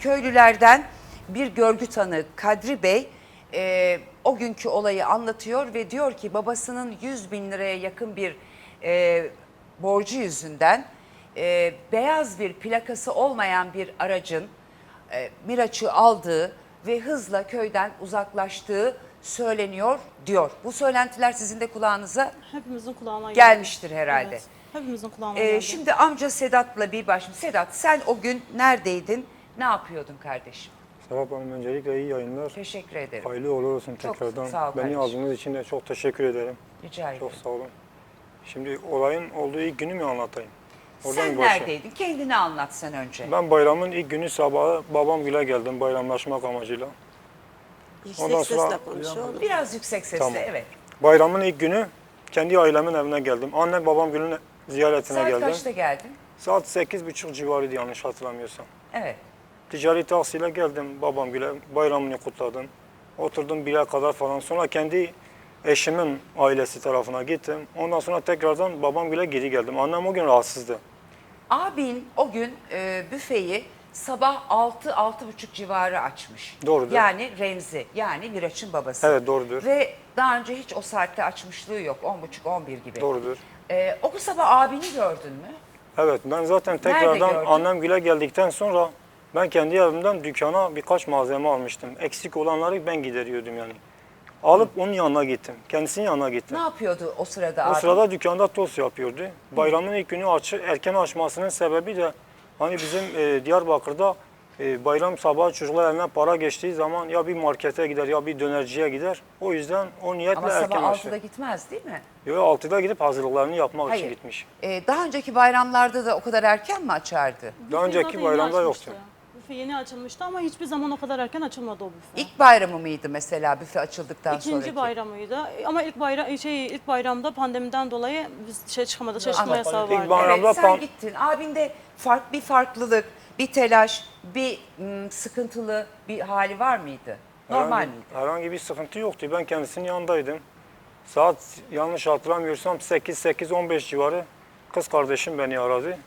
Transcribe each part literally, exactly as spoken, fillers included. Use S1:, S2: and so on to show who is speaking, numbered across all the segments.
S1: köylülerden bir görgü tanığı Kadri Bey e, o günkü olayı anlatıyor ve diyor ki babasının yüz bin liraya yakın bir e, borcu yüzünden e, beyaz bir plakası olmayan bir aracın e, Miraç'ı aldığı ve hızla köyden uzaklaştığı söyleniyor diyor. Bu söylentiler sizin de kulağınıza
S2: Hepimizin kulağına geldi.
S1: gelmiştir herhalde.
S2: Evet, hepimizin kulağına
S1: Ee,
S2: geldi.
S1: şimdi amca Sedat'la bir başım. Sedat sen o gün neredeydin? Ne yapıyordun kardeşim?
S3: Serap Hanım öncelikle iyi yayınlar.
S1: Teşekkür ederim.
S3: Hayırlı uğurlu olsun
S1: Çok
S3: tekrardan.
S1: sağ ol
S3: Beni
S1: kardeşim.
S3: aldığınız için de çok teşekkür ederim.
S1: Rica ederim.
S3: Çok sağ olun. Şimdi olayın olduğu ilk günü mü anlatayım? Oradan
S1: Sen
S3: bir başlayayım.
S1: neredeydin? Kendini anlat sen önce.
S3: Ben bayramın ilk günü sabahı babam güle geldim bayramlaşmak amacıyla.
S4: Yüksek
S3: Ondan sonra-
S4: sesle konuşuyor.
S1: Biraz yüksek sesle,
S3: Tamam.
S1: evet.
S3: Bayramın ilk günü kendi ailemin evine geldim. Annem babam günün ziyaretine
S1: Saat
S3: geldim.
S1: kaçta geldin?
S3: Saat sekiz buçuk civarıydı yanlış hatırlamıyorsam.
S1: Evet.
S3: Ticari taksiyle geldim babam güle bayramını kutladım. Oturdum bire kadar falan. Sonra kendi eşimin ailesi tarafına gittim. Ondan sonra tekrardan babam güle geri geldim. Annem o gün rahatsızdı.
S1: Abin o gün e, büfeyi sabah altı altı buçuk civarı açmış.
S3: Doğrudur.
S1: Yani Remzi, yani Miraç'ın babası.
S3: Evet, doğrudur.
S1: Ve daha önce hiç o saatte açmışlığı yok. on buçuk on bir gibi.
S3: Doğrudur.
S1: E, o sabah abini gördün mü?
S3: Evet ben zaten tekrardan
S1: gördün?
S3: annem güle geldikten sonra ben kendi evimden dükkana birkaç malzeme almıştım. Eksik olanları ben gideriyordum yani. Alıp onun yanına gittim. Kendisinin yanına gittim.
S1: Ne yapıyordu o sırada
S3: O
S1: abi?
S3: sırada dükkanda tost yapıyordu. Bayramın ilk günü açı, erken açmasının sebebi de hani bizim e, Diyarbakır'da e, bayram sabahı çocuklar eline para geçtiği zaman ya bir markete gider ya bir dönerciye gider. O yüzden o niyetle
S1: Ama
S3: erken
S1: sabah
S3: açtı.
S1: altıda gitmez değil mi?
S3: Yo, altıda gidip hazırlıklarını yapmak için
S1: Hayır.
S3: gitmiş.
S1: Ee, daha önceki bayramlarda da o kadar erken mi açardı?
S3: Daha
S2: Büfe
S3: önceki
S2: zaten yeni
S3: bayramda
S2: açmıştı.
S3: yoktu.
S2: Büfe yeni açılmıştı ama hiçbir zaman o kadar erken açılmadı o büfe.
S1: İlk bayramı mıydı mesela büfe açıldıktan
S2: İkinci
S1: sonraki?
S2: bayramıydı ama ilk bayram şey ilk bayramda pandemiden dolayı biz şey çıkamadık, çalışma
S1: Anladım.
S2: yasağı
S3: İlk
S2: vardı.
S3: bayram- Bayramda
S1: Evet sen
S3: pan-
S1: gittin. Abinde fark, bir farklılık, bir telaş, bir mm, sıkıntılı bir hali var mıydı? Normal
S3: herhangi,
S1: miydi?
S3: herhangi bir sıkıntı yoktu. Ben kendisinin yanındaydım. Saat yanlış hatırlamıyorsam sekiz sekiz on beş civarı kız kardeşim beni aradı.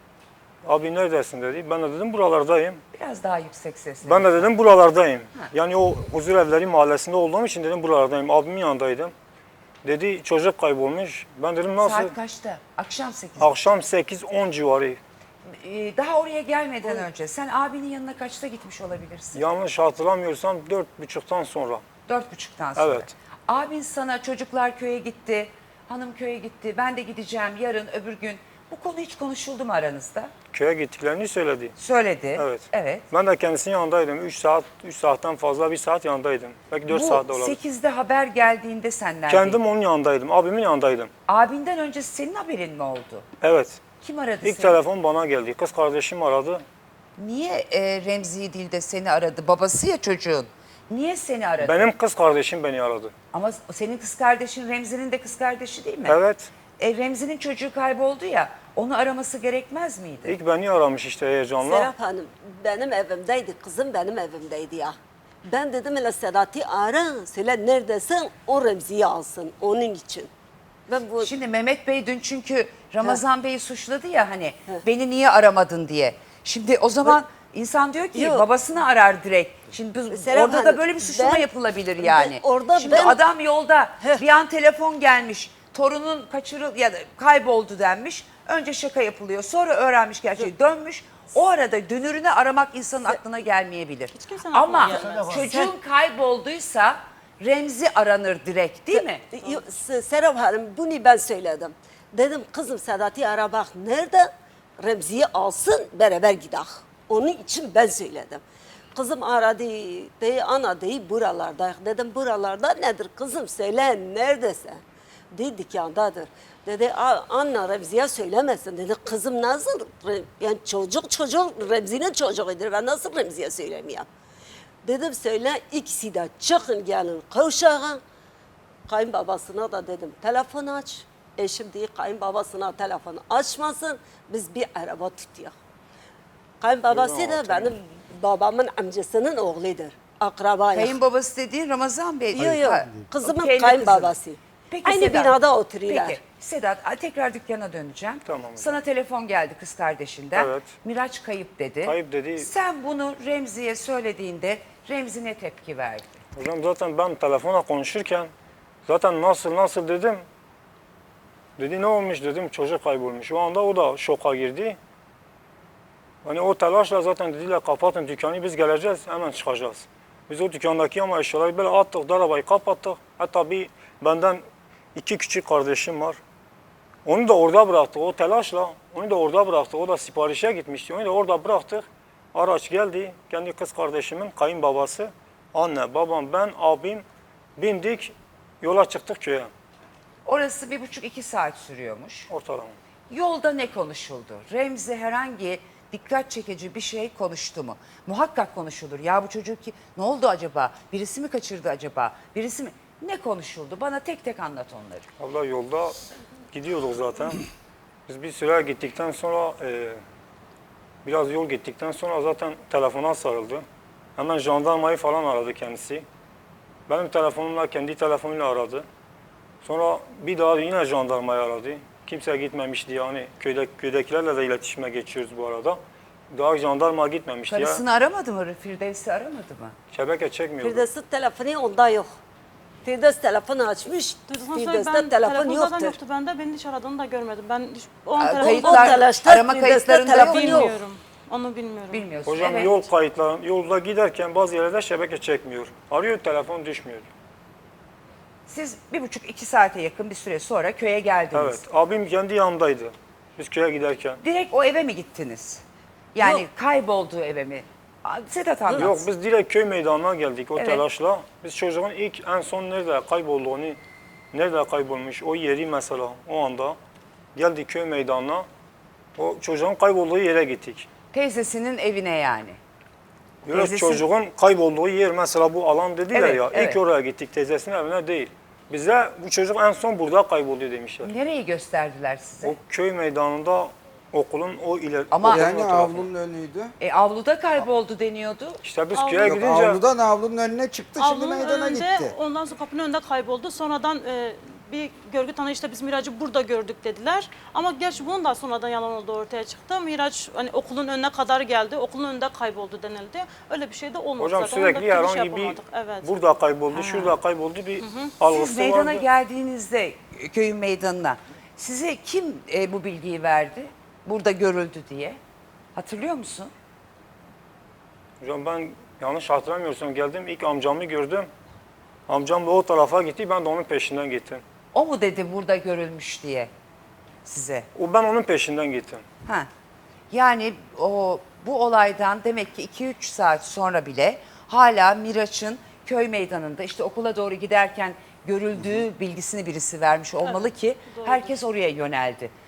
S3: Abi neredesin dedi. Ben de dedim buralardayım.
S1: Biraz daha yüksek sesle.
S3: Ben de dedim buralardayım. Yani o huzur evleri mahallesinde olduğum için dedim buralardayım. Abimin yanındaydım. Dedi çocuk kaybolmuş. Ben dedim nasıl?
S1: Saat kaçta? Akşam sekizde.
S3: Akşam sekiz on civarı.
S1: Ee, daha oraya gelmeden önce sen abinin yanına kaçta gitmiş olabilirsin?
S3: Yanlış hatırlamıyorsam dört buçuktan sonra.
S1: Dört buçuktan sonra.
S3: Evet.
S1: Abin sana çocuklar köye gitti, hanım köye gitti, ben de gideceğim yarın öbür gün. Bu konu hiç konuşuldu mu aranızda?
S3: Köye gittiklerini söyledi.
S1: Söyledi.
S3: Evet.
S1: Evet.
S3: Ben de kendisinin yanındaydım. üç saat, üç saatten fazla bir saat yanındaydım. Belki dört saat de
S1: Bu
S3: olabilir.
S1: sekizde haber geldiğinde sen neredeydin?
S3: Kendim onun yanındaydım. Abimin yanındaydım.
S1: Abinden önce senin haberin mi oldu?
S3: Evet.
S1: Kim aradı
S3: İlk
S1: seni?
S3: telefon bana geldi. Kız kardeşim aradı.
S1: Niye e, Remzi değil de seni aradı? Babası ya çocuğun. Niye seni aradı?
S3: Benim kız kardeşim beni aradı.
S1: Ama senin kız kardeşin Remzi'nin de kız kardeşi değil mi?
S3: Evet.
S1: E, Remzi'nin çocuğu kayboldu ya. Onu araması gerekmez miydi?
S3: İlk beni aramış işte heyecanla.
S4: Serap Hanım benim evimdeydi, kızım benim evimdeydi ya. Ben dedim hele Sedat'ı ara, söyle neredesin, o Remzi'yi alsın onun için. Ben bu
S1: Şimdi Mehmet Bey dün çünkü Ramazan Bey'i suçladı ya hani beni niye aramadın diye. Şimdi o zaman insan diyor ki
S4: Yok.
S1: babasını arar direkt. Şimdi biz-
S4: Serap
S1: orada da
S4: Hanım,
S1: böyle bir suçlama
S4: ben-
S1: yapılabilir yani.
S4: ben- orada
S1: Şimdi
S4: ben-
S1: adam yolda
S4: Heh.
S1: bir an telefon gelmiş. Torunun kaçırıl ya da kayboldu denmiş. Önce şaka yapılıyor. Sonra öğrenmiş gerçeği dönmüş. O arada dönürünü aramak insanın aklına gelmeyebilir.
S2: Hiç kimsenin
S1: Ama
S2: aklına gelmez.
S1: çocuğun kaybolduysa Remzi aranır direkt değil mi?
S4: Yo, Se- Serap Hanım bunu ben söyledim. Dedim kızım Sedat'ı ara bak nerede, Remzi'yi alsın beraber gidelim. Onun için ben söyledim. Kızım aradı, dedi ana dedi buralarda. Dedim buralarda nedir kızım söyle neredesin? Dedi dükkandadır. Dedi "A- anne Remzi'ye söylemesin. Dedi kızım nasıl? Re- Yani çocuk çocuk Remzi'nin çocuğudur. Ben nasıl Remzi'ye söylemeyeyim? Dedim söyle ikisi de çıkın gelin kavşağa. Kayınbabasına da dedim telefon aç. Eşim değil kayınbabasına telefonu açmasın. Biz bir araba tutuyor. Kayınbabası
S3: Yok,
S4: da
S3: tamam.
S4: benim babamın amcasının oğludur. Akrabayız.
S1: Kayınbabası dediğin Ramazan Bey.
S4: Yok yok.
S1: Ha,
S4: Kızımın
S1: kendi
S4: kayınbabası.
S1: kızı. Peki
S4: Aynı
S1: Sedat,
S4: binada oturuyorlar.
S1: Peki Sedat a, tekrar dükkana döneceğim.
S3: Tamam hocam.
S1: Sana telefon geldi kız kardeşinden.
S3: Evet.
S1: Miraç kayıp dedi.
S3: Kayıp dedi.
S1: Sen bunu Remzi'ye söylediğinde Remzi ne tepki verdi?
S3: Hocam zaten ben telefonla konuşurken zaten nasıl nasıl dedim. Dedi ne olmuş dedim, çocuk kaybolmuş. O anda o da şoka girdi. Hani o telaşla zaten dediler kapatın dükkanı, biz geleceğiz hemen çıkacağız. Biz o dükkandaki ama eşyaları böyle attık, arabayı kapattık. Hatta bir benden iki küçük kardeşim var. Onu da orada bıraktık o telaşla. Onu da orada bıraktık. O da siparişe gitmişti. Onu da orada bıraktık. Araç geldi. Kendi kız kardeşimin kayınbabası, anne, babam, ben, abim bindik. Yola çıktık köye
S1: Orası bir buçuk iki saat sürüyormuş.
S3: ortalama.
S1: Yolda ne konuşuldu? Remzi herhangi dikkat çekici bir şey konuştu mu? Muhakkak konuşulur. Ya bu çocuk ki ne oldu acaba? Birisi mi kaçırdı acaba? Birisi mi? Ne konuşuldu? Bana tek tek anlat onları.
S3: Abla yolda gidiyorduk zaten. Biz bir süre gittikten sonra e, biraz yol gittikten sonra zaten telefona sarıldı. Hemen jandarmayı falan aradı kendisi. Benim telefonumla kendi telefonuyla aradı. Sonra bir daha yine jandarmayı aradı. Kimse gitmemişti yani köyde, köydekilerle de iletişime geçiyoruz bu arada. Daha jandarma gitmemişti ya.
S1: Karısını aramadı mı? Firdevs'i aramadı mı?
S3: Şebeke çekmiyordu.
S4: Firdevs'in telefonu onda yok. Firdevs telefonu açmış,
S2: Duyduktan sonra
S4: Firdevs'te
S2: ben
S4: telefon
S2: telefon zaten
S4: yoktur.
S2: yoktu bende. Beni hiç aradığını da görmedim. Ben hiç, o an
S1: Aa,
S2: telefon
S1: kayıtlar,
S4: O telaşta
S1: arama
S4: Firdevs'te
S1: kayıtlarında yok.
S4: telefon yok.
S2: bilmiyorum. Onu bilmiyorum.
S1: Bilmiyorsun.
S3: Hocam
S1: evet.
S3: yol kayıtları, yolda giderken bazı yerlerde şebeke çekmiyor. Arıyor telefon düşmüyor.
S1: Siz bir buçuk iki saate yakın bir süre sonra köye geldiniz.
S3: Evet, abim kendi yanımdaydı. Biz köye giderken.
S1: Direkt o eve mi gittiniz? Yani
S4: Yok.
S1: kaybolduğu eve mi? Aa, Sedat anlat.
S3: Yok biz direkt köy meydanına geldik o
S1: Evet.
S3: telaşla. Biz çocuğun ilk en son nerede kaybolduğunu, nerede kaybolmuş o yeri mesela o anda geldik köy meydanına. O çocuğun kaybolduğu yere gittik.
S1: Teyzesinin evine yani.
S3: Böyle
S1: Teyzesi-
S3: çocuğun kaybolduğu yer mesela bu alan dediler
S1: Evet,
S3: ya.
S1: evet.
S3: İlk oraya gittik teyzesinin evine değil. Bize bu çocuk en son burada kayboldu demişler.
S1: Nereyi gösterdiler size?
S3: O köy meydanında okulun o ileri
S1: Ama-
S3: okulun
S5: Yani
S3: o tarafı.
S5: avlunun önüydü.
S1: E, avluda kayboldu deniyordu.
S3: İşte biz
S2: Avlu-
S3: köye
S5: Yok
S3: gidince
S5: avludan avlunun önüne çıktı, şimdi
S2: Avlunun
S5: meydana
S2: önünde,
S5: gitti.
S2: ondan sonra kapının önünde kayboldu. Sonradan e, bir görgü tanığı işte biz Miraç'ı burada gördük dediler. Ama gerçi bunun da sonradan yalan olduğu ortaya çıktı. Miraç hani okulun önüne kadar geldi, okulun önünde kayboldu denildi. Öyle bir şey de olmadı
S3: hocam
S2: zaten.
S3: sürekli
S2: Onu da
S3: herhangi
S2: şey
S3: bir
S2: yapamadık. Evet.
S3: burada kayboldu, şurada kayboldu bir algısı
S1: Siz meydana
S3: vardı.
S1: geldiğinizde köyün meydanına size kim e, bu bilgiyi verdi? Burada görüldü diye. Hatırlıyor musun?
S3: Hocam ben yanlış hatırlamıyorsam geldim ilk amcamı gördüm. Amcam da o tarafa gitti ben de onun peşinden gittim.
S1: O mu dedi burada görülmüş diye size?
S3: O ben onun peşinden gittim.
S1: Ha. Yani o bu olaydan demek ki iki üç saat sonra bile hala Miraç'ın köy meydanında işte okula doğru giderken görüldüğü bilgisini birisi vermiş olmalı ki herkes oraya yöneldi.